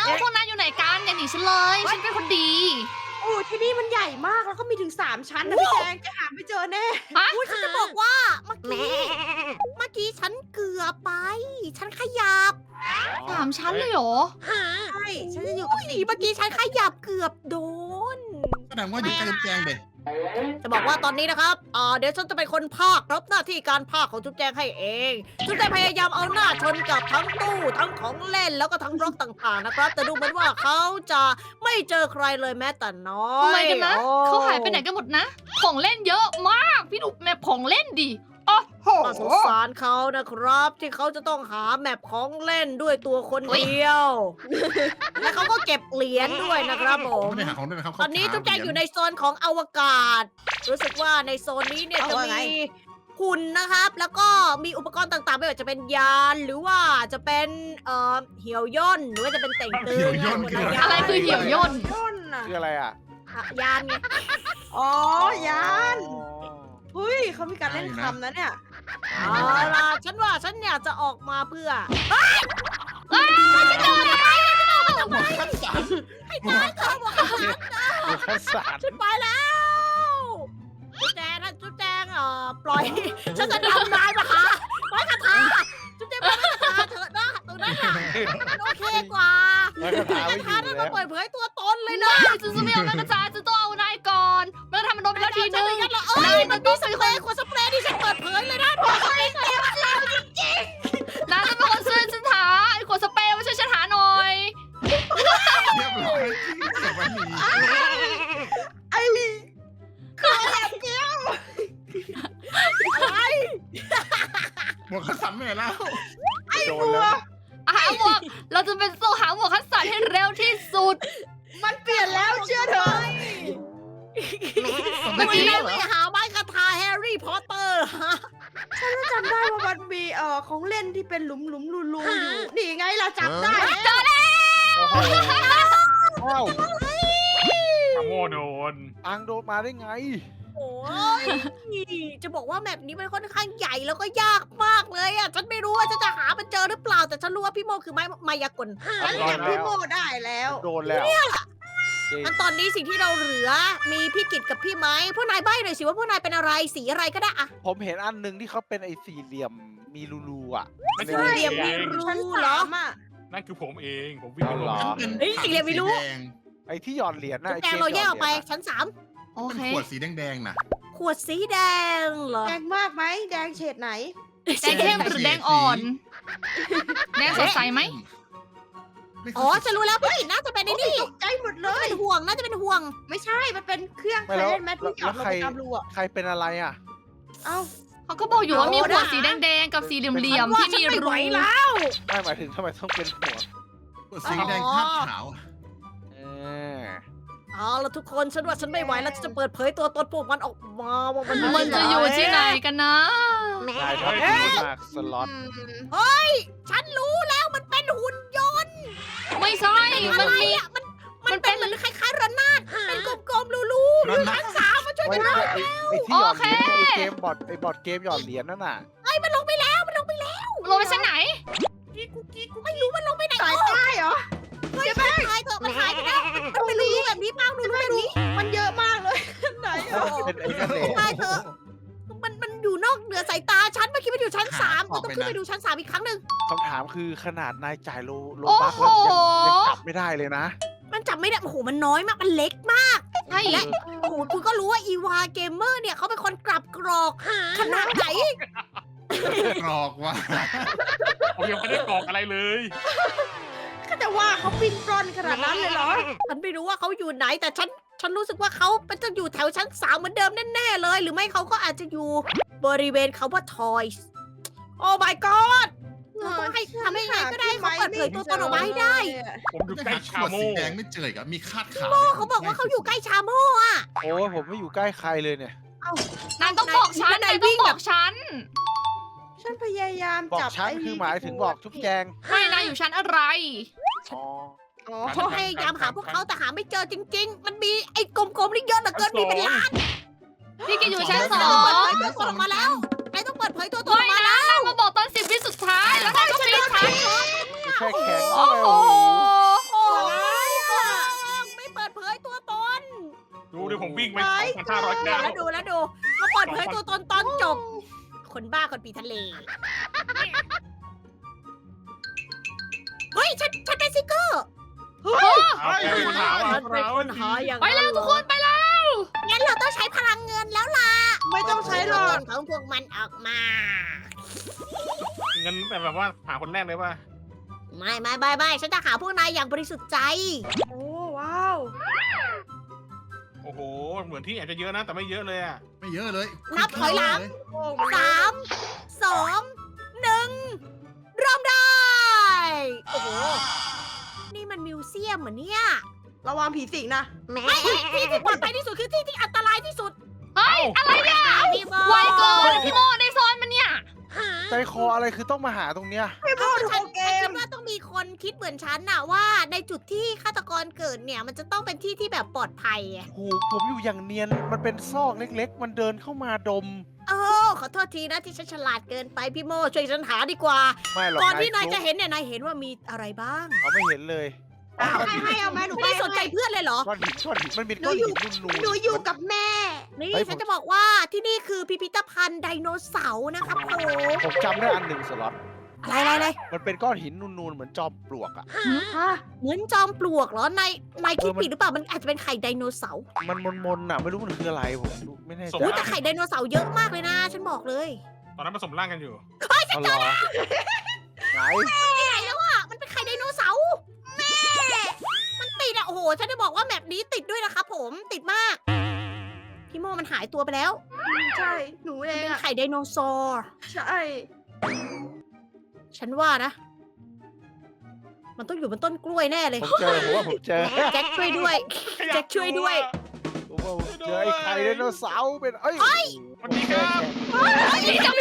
พวกนั้นอยู่ไหนกันอย่าหนีฉันเลยฉันเป็นคนดีโอ้ที่นี่มันใหญ่มากแล้วก็มีถึง3 ชั้นนะพี่แจงจะหาไม่เจอแน่ฮะอุ้ยฉันจะบอกว่าเมื่อกี้ฉันเกือบไป ฉันขยับ 3 ชั้นเลยเหรอใช่ฉันจะอยู่กับเมื่อกี้ฉันขยับเกือบโดนแสดงว่าอยู่ใกล้จุ๊บแจงเด็จะบอกว่าตอนนี้นะครับเดี๋ยวฉันจะเป็นคนพากย์รับหน้าที่การพากย์ของจุ๊บแจงให้เอง จุ๊บแจงพยายามเอาหน้าชนกับทั้งตู้ทั้งของเล่นแล้วก็ทั้งบล็อกต่างๆนะครับ แต่ดูเหมือนว่าเขาจะไม่เจอใครเลยแม้แต่น้อยทำไมกันนะโอ้เขาหายไปไหนกันหมดนะ ของเล่นเยอะมาก พี่ดูแมพของเล่นดิโอ้โหน่าสงสารเขานะครับ ที่เขาจะต้องหาแมปของเล่นด้วยตัวคนเดียว และเขาก็เก็บเหรียญด้วยนะครับผมไม่ได้หาของด้วยนะครับตอนนี้จุ๊บแจงอยู่ในโซนของอวกาศ รู้สึกว่าในโซนนี้เนี่ยจะมีหุ่นนะครับ แล้วก็มีอุปกรณ์ต่างๆไม่ว่าจะเป็นยานหรือว่าจะเป็นเหี่ยวย่นหรือว่าจะเป็นเต่งตึงอะไรคือเหี่ยวย่นต้นน่ะคืออะไรอ่ะยานไงอ๋อยานอ๋อเฮ้ยเขามีการเล่นคำนะเนี่ยเอาล่ะฉันว่าฉันอยากจะออกมาเพื่อหมวกคัดสรรเขาบอกว่าดูข้าวสารฉันไปแล้วจุ๊บแจงนะจุ๊บแจงปล่อย ฉันจะดำน้ำนะคะไม้กระทาจุ๊บแจงไม้กระทาเถอะนะตรงนั้นน่ะมันโอเคกว่าไม้กระทาไม้ไม่กระอยู่ทานั่นแล้มาว เปิดเผยตัวตนเลยไม่นะได้ฉันจะไม่เอาแม่กระจายฉันต้องเอานายก่อนแม่กระทำมันโดนไปแล้วทีนึงเอ้ยมันมีสเปรย์ขวดสเปรย์ที่ฉันเปิดเผยเลยนะบอกเลยเต็มแล้วจริงนายจะเป็นคนซื้อฉันหาไอ้ขวดสเปรย์มาช่วยฉันหาหน่อยเรียบร้อยเก็บไว้หนีไอ้อะไรหมวกคัดสรรไม่เห็นแล้วโดนแล้วหาหมวกเราจะเป็นโซ่หาหมวกคัสสันให้เร็วที่สุดมันเปลี่ยนแล้วเชื่อเถอะเมื่อไม่กี้ได้เหรไปอหาไม้กระทาแฮร์รี่พอตเตอร์ฮะฉันจำได้ว่ามันมีของเล่นที่เป็นหลุมรูอยู่นี่ไงเราจับได้แล้วโอ้โหอ้าวขโมยโดนอังโดนมาได้ไงโอ้ยจะบอกว่าแมปนี้มันค่อนข้างใหญ่แล้วก็ยากมากเลยอ่ะ ฉันไม่รู้ว่าจะหามันเจอหรือเปล่า แต่ฉันรู้ว่าพี่โมคือมายากลฉันจับพี่โมได้แล้วโดนแล้วจริงงั้นตอนนี้สิ่งที่เราเหลือ มีพี่กิตกับพี่ไม้พวกนายใบ้หน่อยสิว่าพวกนายเป็นอะไรสีอะไรก็ได้อะผมเห็นอันหนึ่งที่เขาเป็นไอ้สี่เหลี่ยมมีรูๆอ่ะไม่ในใช่เหลี่ยมเอมีงรูชั้นเหรอ 3อ่ะนั่นคือผมเองผมวิ่งไปเอาเหรอฉันเป็นเฮ้ยสีเหลี่ยมไม่รู้แดงไอ้ที่หย่อนเหรียญน่ะไอ้แจกงมเราแยกออกไปหนหรีญน่ะชั้นโอเป็นเคขวดสีแดงๆน่ะ 3 ขวดสีแดงเหรอแดงมากไหมแดงเฉดไหนแดงเข้มหรือแดงอ่อน แดงสดใสไหมไม่เคยอ๋อฉันรู้แล้วพี่กิตน่าจะเป็นไอ้นี่ตกใจหมดเลน่าจะยเป็นห่วงน่าจะเป็นห่วงไม่ใช่มันเป็นเครื่องใครเล่นแมทที่หยอดลงไปตามรูอ่ะใครเป็นอะไรอ่ะเอ้าเขาก็บอกอยู่ว่ามีขวดสีแดงๆกับสีเหลี่ยมๆที่มีฉันไม่รูไหวแล้วไม่หมายถึงทำไมต้องเป็นหัวขวดสีแดงคาดขาวเออเอาละทุกคนฉันว่าฉันไม่ไหวแล้วฉันจะเปิดเผยตัวตนพวกมันออกมาว่ามันมันจะอยู่ที่ไหนกันนะนายทำดีมากสล็อตฉันรู้แล้วมันเป็นหุ่นยนต์ไม่ใช่อะมันไรมีอ่ะมันเป็นเหมือนคล้ายๆระนาดเป็นกลมๆรูๆนั่นนะทั้งสามมาช่วยไว้กันหน่อยไอ้ที่หย่อนเหรียญไอ้เกมบอร์ดเกมหย่อนเหรียญนั่นน่ะมันลงไปแล้วมันลงไปแล้วลงไปชั้นไหนไม่รู้มันลงไปไหนสายใต้เหรอเฮ้ยมันหายเถอะมันหายไปแล้วมันเป็นรูๆแบบนี้บ้างรูๆแบบนี้มันเยอะมากเลยไหนอ่ะเป็นไอ้นั่นเองตายเถอะมันอยู่นอกเหนือสายตาฉันเมื่อกี้มันอยู่ชั้น3มันต้องขึ้นไปดูชั้น3อีกครั้งหนึ่งคำถามคือขนาดนายจ่ายโลโอ้บักโหแล้วยังจับไม่ได้เลยนะมันจับไม่ได้โอ้โหมันน้อยมากมันเล็กมากใช่และโอ้โหคุณก็รู้ว่าอีวาเกมเมอร์เนี่ยเขาเป็นคนกลับกรอกขนาดไหนกรอกว่าผมยังไม่ได้กรอกอะไรเลยก็จะว่าเขาปิ้นปล้อนขนาดนั้นเลยเหรอฉันไม่รู้ว่าเขาอยู่ไหนแต่ฉันรู้สึกว่าเขาเป็นจะอยู่แถวชั้น3เหมือนเดิมแน่ๆเลย หรือไม่เขาก็อาจจะอยู่บริเวณคำว่า toys โอ้ my god เราต้องให้ทำให้ไงก็ได้ให้เขาเปิดเผยตัวตนออกมาให้ได้ผมอยู่จะใกล้หาขชาวดโมสีแดงไม่เจออีกอะมีคาดขาวเขาบอกว่าเขาอยู่ใกล้ชาโม่อะโอ้ยผมไม่อยู่ใกล้ใครเลยเนี่ยนายต้องบอกฉันนายต้องบอกฉันฉันพยายามบอกจับชั้นไอ้คือหมายถึงบอกทุกแจงไม่นายอยู่ชั้นอะไรอ๋ออ๋อฉันพยายามหาพวกเขาแต่หาไม่เจอจริง ๆ มันมีไอ้กลมๆนี่เยอะเหลือเกินมีเป็นล้านพี่กินอยู่ชั้นนายสต้อองเปิดงเผยตัวตนออกมาแล้วนายต้องเปิดเผยตัวตนอไม่อกมานะนายมาบอกตอน10 วิสุดท้ายแล้วนายก็ปีนฉันแช่แข็งโอ้โหโอ้ 2,509 แล้วดูมาเปิดเผยตัวตนตอนจบ คนบ้าคนปีทะเล เฮ้ย ฉันได้สติ๊กเกอร์เอาแกเป็นคนหาว่าฉันเป็นคนหาอย่างไปแล้วทุกคนไปแล้วงั้นเราต้องใช้พลังเงินแล้วล่ะไม่ต้องใช้หรอกของพวกมันออกมาเงินแบบว่าหาคนแรกเลยว่าไม่ฉันจะหาพวกนายอย่างบริสุทธิ์ใจโอ้ว้าวโอ้โห เหมือนที่อาจจะเยอะนะ แต่ไม่เยอะเลยอ่ะไม่เยอะเลยนับถอยหลังโอ้ 3 2 1 เริ่มได้ โอ้โห นี่มันมิวเซียมเหมือนเนี่ยระวังผีสิงนะไม่ที่ที่ปลอดภัยที่สุดคือที่ที่อันตรายที่สุดเฮ้ย อะไรเนี่ยพี่โมไวเกินพี่โมในซอยมันเนี่ยใจคออะไรคือต้องมาหาตรงเนี้ยไม่พูดฉัโอเกคิมดว่าต้องมีคนคิดเหมือนฉันน่ะว่าในจุดที่ฆาตกรเกิดเนี่ย มันจะต้องเป็นที่ที่แบบปลอดภัยอะโอ้โหผมอยู่อย่างเนียน มันเป็นซอกเล็กๆ มันเดินเข้ามาดมโอ้ขอโทษทีนะที่ฉันฉลาดเกินไปพี่โมช่วยฉันหาดีกว่าไม่หรอกก่อนที่นายจะเห็นเนี่ยนายเห็นว่ามีอะไรบ้างเขาไม่เห็นเลยให้เอาไหมหนูไม่ได้สนใจเพื่อนเลยเหรอก้อนหินมันเป็นก้อนหินนูนๆหนูอยู่กับแม่นี่เฮ้ยฉันจะบอกว่าที่นี่คือพิพิธภัณฑ์ไดโนเสาร์นะครับผมผมจำได้อันหนึ่งสล็อตอะไรมันเป็นก้อนหินนูนๆ เหมือนจอมปลวกอ่ะฮะเหมือนจอมปลวกเหรอนายคิดผิดหรือเปล่ามันอาจจะเป็นไข่ไดโนเสาร์มันมนๆอ่ะ ไม่รู้มันคืออะไรผมไม่แน่ใจอุ๊ยแต่ไข่ไดโนเสาร์เยอะมากเลยนะ ฉันบอกเลยตอนนั้นผสมร่างกันอยู่เอาเหรอไหนไหนแล้วอ่ะมันเป็นไข่ไดโนเสาร์แม่มันติดอ่ะโอ้โหฉันจะบอกว่าแมปนี้ติดด้วยนะครับผมติดมากพี่โมมันหายตัวไปแล้วใช่ หนูเองเป็นอะไข่ไดโนเสาร์ใช่ฉันว่านะ มันต้องอยู่บนต้นกล้วยแน่เลยผมว่าผมเจอแจ็คช่วยด้วย แจ็คช่วยด้วยผมว่าผมเจอไอ้ไข่ไดโนเสาร์เป็นเอ้ยสวัสดีครับพี่จับ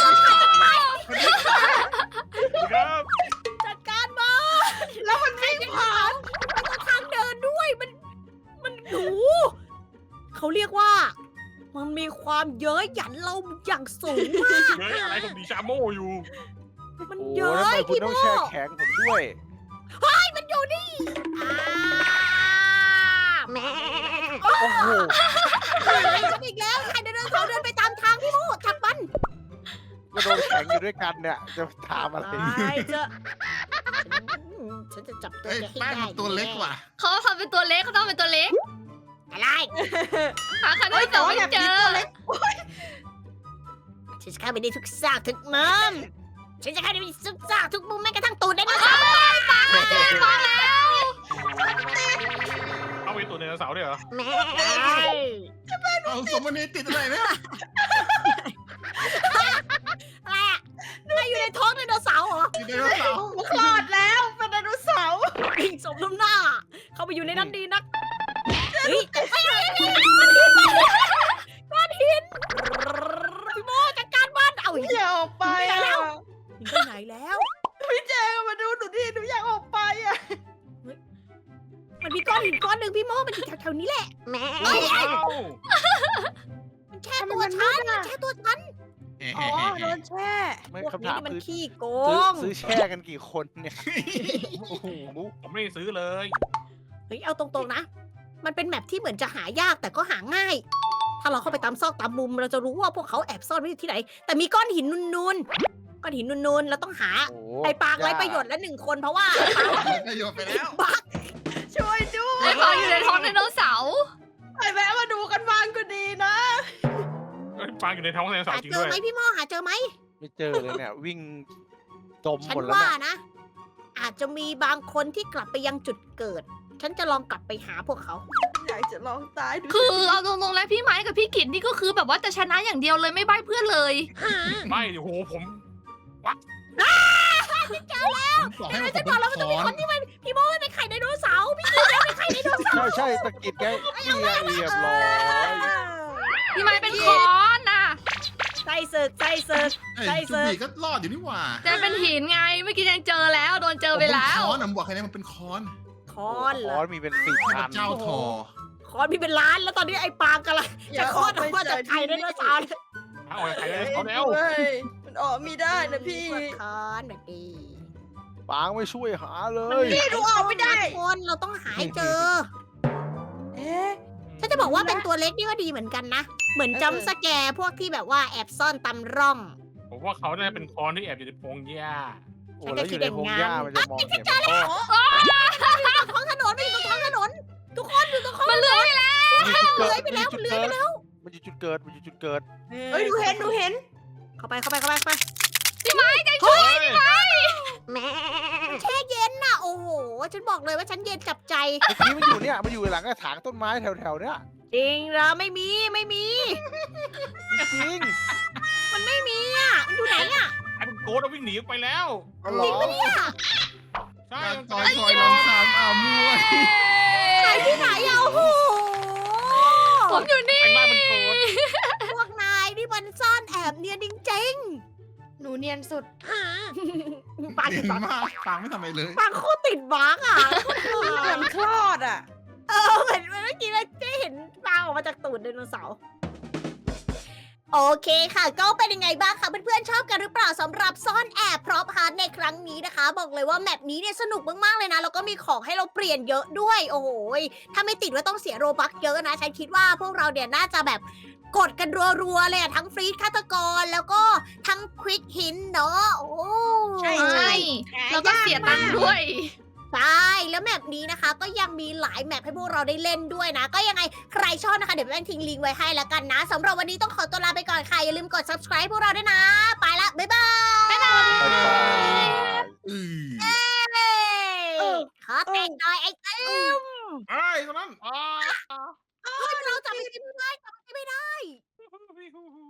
ครับจัดการมาแล้วมันวิ่งผ่านมันต้องทางเดินด้วย มันหนูเขาเรียกว่า มันมีความเย้ยหยันเราอย่างสูงมากเฮ้ยอะไรของดีชาโมอยู่มันโอ้เย้แล้วทำไมยคุณพี่ต้โมองแช่แข็งผมด้วยมันอยู่นี่แม่โอ้โหฉันอีกแล้วใครเดินเขาเดินไปตามทางพี่โมจับมันก็โดนแข็งอยู่ด้วยกันเนี่ย จะถามอะไรตายเจอะฉันจะจับตัวเอ้ยแกให้แป้งได้มันตัวเล็กว่ะเขาทำเป็นตัวเล็กเขาต้องเป็นตัวเล็กอะไรหาคันที่สองไม่เจอฉันจะเข้าไปในทุกซากทุกมุมฉันจะเข้าไปในทุกซากทุกมุมแม้กระทั่งตูดได้ด้วยเอาไปตัวไดโนเสาร์ด้วยเหรอแม่เอาสมนีติดอะไรเนี่ยอะไรอะนายอยู่ในท้องไดโนเสาร์เหรอติดไดโนเสาร์คลอดแล้วเป็นไดโนเสาร์สมน้ำหน้า เข้าไปอยู่ในนั้นดีนักเฮ้ยก้อนหินพี่โมจัดการบ้านเอาอีกอย่าออกไปอะไปไหนแล้วพี่เจมาดูหนูดิหนูอยากออกไปอะมันมีก้อนหินก้อนหนึ่งพี่โมมันอยู่แถวๆนี้แหละแม่อ้าวมันแช่ตัวฉันมันแช่ตัวฉันอ๋อโดนแช่ไม่พวกคำนี้ถามนี่มันคือขี้โกซื้อง แช่กันกี่คนเนี่ย โอ้โหผมไม่ได้ซื้อเลยเฮ้ยเอาตรงๆนะ มันเป็นแมปที่เหมือนจะหายากแต่ก็หาง่าย ถ้าเราเข้าไปตามซอกตามมุมเราจะรู้ว่าพวกเขาแอบซ่อนไว้อยู่ที่ไหน แต่มีก้อนหินนูนๆก้อนหินนูนๆเราต้องหาโอ้โหไอ้ปางไรประโยชน์ละ1 คนเพราะว่าประโยชน์ไปแล้วบักช่วยด้วไอ้ยฟางอยู่ในท้องไดโนเสาร์ไปแวะมาดูกันบ้างก็ดีนะเอ้ยปลาอยู่ในท้องไดโนเสาหาร์จริงเจอด้วยไหมพี่โมหาเจอไหมไม่เจอเลยเนี่ย วิ่งดมฉันหมดแล้วว่าเนี่ยนะ อาจจะมีบางคนที่กลับไปยังจุดเกิด ฉันจะลองกลับไปหาพวกเขาอยากจะลองตายดูคือเอาตรงๆแล้วพี่ไม้กับพี่กิตนี่ก็คือแบบว่าจะชนะอย่างเดียวเลยไม่ใบ้เพื่อนเลยไม่โอ้โหผมผมบอกให้ว่าผมบอกแล้วมันเป็ต้องมีนคนที่มันพี่โมเป็นไข่ไดโนเสาร์พี่กินแล้วเป็นไข่ไดโนเสาร์ใช่ตะกิดแกเรียบร้อยพี่ไม้เป็นค้อนน่ะใส่ศึกใส่ศึกเอ้ยใช่จุสิบีก็รอดอยู่นี่หว่าแต่เป็นหินไงเมื่อกี้ยังเจอแล้วโดนเจอไปแล้วผมเป็นค้อนอะผมบอกใครนะมันเป็นค้อนคอนเหรคออนมีเป็น4 พอัระนเจ้าทอคอนมีเป็นล้านแล้วตอนนี้ไอ้ปางกำลังอย่าจะคลอดออกมาจากไข่ไดโนเสาร์เอาไข่ไดโนเสาร์แล้วเฮ้ยมันออกไม่ได้นะพี่คอนแบบนี้ปางไม่ช่วยหาเลยนี่ดูออกไม่ได้คนเราต้องหาให้เจอเอ๊ะฉันจะจะบอกว่าเป็นตัวเล็กนี่ก็ดีเหมือนกันนะ เหมือนจัมป์สแกร์พวกที่แบบว่าแอบซ่อนตำร่องผมว่าเขาน่าจะเป็นคอนที่แอบอยู่ในพงหญ้าโอ้แล้วอยู่ในพงหญ้ามันจะมองเห็นมันก็ท้องถนนไม่อยู่ตรงท้องถนน ทุกคนอยู่ตรงท้องมันเลื้อยไปแล้วเลื้อยไปแล้วเลื้อยไปแล้วมันอยู่จุดเกิดมันอยู่จุดเกิดเอ้ยหนูเห็นเข้าไปพี่ไม้ใจเฮ้ยแม่แช่เย็นน่ะ โอ้โห ฉันบอกเลยว่าฉันเย็นจับใจเมื่อกี้มันอยู่เนี่ยมันอยู่หลังกระถางต้นไม้แถวๆเนี้ยจริงเหรอไม่มีจริงมันไม่มีอ่ะ มันอยู่ไหนอ่ะไอ้เป็นโกดเอาวิ่งหนีออกไปแล้วอ๋อเหรอใช่การซอยลองถามมั่วหายที่ไหนอ่ะ โอ้โหผมอยู่นี่เป็นว่าเป็นโกดพวกนายนี่มันซ่อนแอบเนียนจริงหนูเนียนสุดๆปากเด่ติดนบั๊กมากฟังไม่ทำอะไรเลยปากโคตรติดบั๊กอ่ะเหมือนคลอดอ่ะเหมือนเมื่อกี้เราได้เห็นปลาออกมาจากตูดไดโนเสาร์โอเคค่ะ ก็เป็นยังไงบ้างคะเพื่อนๆชอบกันหรือเปล่าสำหรับซ่อนแอบพร็อพฮาร์ดในครั้งนี้นะคะ บอกเลยว่าแมปนี้เนี่ยสนุกมากๆเลยนะแล้วก็มีของให้เราเปลี่ยนเยอะด้วย โอ้โหถ้าไม่ติดว่าต้องเสียโรบัคเยอะนะฉันคิดว่าพวกเราเนี่ยน่าจะแบบกดกันรัวๆเลยอะทั้งฟรีดฆาตกรแล้วก็ทั้งควิกหินเนาะโอ้ใช่ใช่แล้วก็เสียตังค์ด้วยใช่แล้วแมปนี้นะคะ ก็ยังมีหลายแมปให้พวกเราได้เล่นด้วยนะ ก็ยังไงใครชอบนะคะ เดี๋ยวแป้งทิ้งลิงก์ไว้ให้แล้วกันนะสำหรับวันนี้ต้องขอตัวลาไปก่อนค่ะ อย่าลืมกด subscribe พวกเราด้วยนะ ไปละ บ๊ายบายบ๊ายบายอือเอ้ยขอแต่งหน่อยไอ้ตึมไอ้ยตรงนั้นเราจับไม่ได้จับไม่ได้อ๋อ